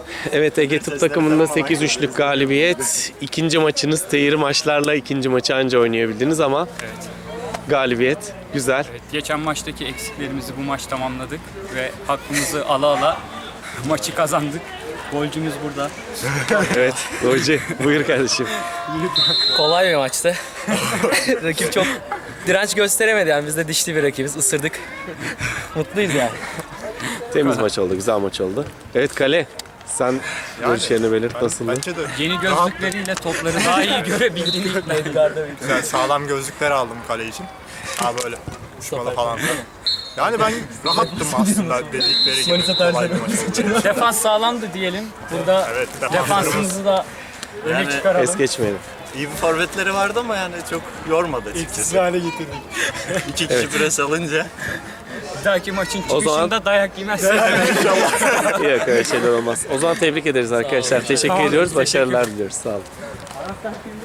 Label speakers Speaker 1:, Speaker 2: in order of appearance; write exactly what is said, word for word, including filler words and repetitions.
Speaker 1: Evet, Ege Tıp takımında sekiz üçlük galibiyet. İkinci maçınız tehir maçlarla ikinci maçı anca oynayabildiniz ama
Speaker 2: Evet.
Speaker 1: galibiyet güzel.
Speaker 2: Evet, geçen maçtaki eksiklerimizi bu maç tamamladık ve hakkımızı ala ala maçı kazandık. Golcümüz burada.
Speaker 1: Evet, golcü buyur kardeşim.
Speaker 3: Kolay bir maçtı. Rakip çok direnç gösteremedi yani biz de dişli bir rakibiz. Isırdık. Mutluyuz yani.
Speaker 1: Temiz maç oldu, güzel maç oldu. Evet Kale, sen görüşlerini belirt, nasıldı?
Speaker 4: Bence de
Speaker 2: Yeni gözlükleriyle topları daha iyi görebildiğini ikna
Speaker 4: güzel, sağlam gözlükler aldım kale için. Ha böyle uçmalı falan da. Yani ben rahattım aslında dedikleri gibi. Kolay bir maç oldu.
Speaker 2: Defans sağlamdı diyelim. Burada
Speaker 4: Evet,
Speaker 2: defansımızı da öne
Speaker 5: Yani-
Speaker 2: çıkaralım.
Speaker 1: Es geçmeyelim.
Speaker 5: İyi bir forvetleri vardı ama yani çok yormadı açıkçası.
Speaker 4: hale getirdik.
Speaker 5: İki kişi pres alınca.
Speaker 2: Bir dahaki maçın
Speaker 1: O
Speaker 2: çıkışında
Speaker 1: zaman-
Speaker 2: dayak yemezsek.
Speaker 1: Yok, öyle şeyler olmaz. O zaman tebrik ederiz arkadaşlar. Teşekkür ediyoruz, başarılar diliyoruz. Sağ olun.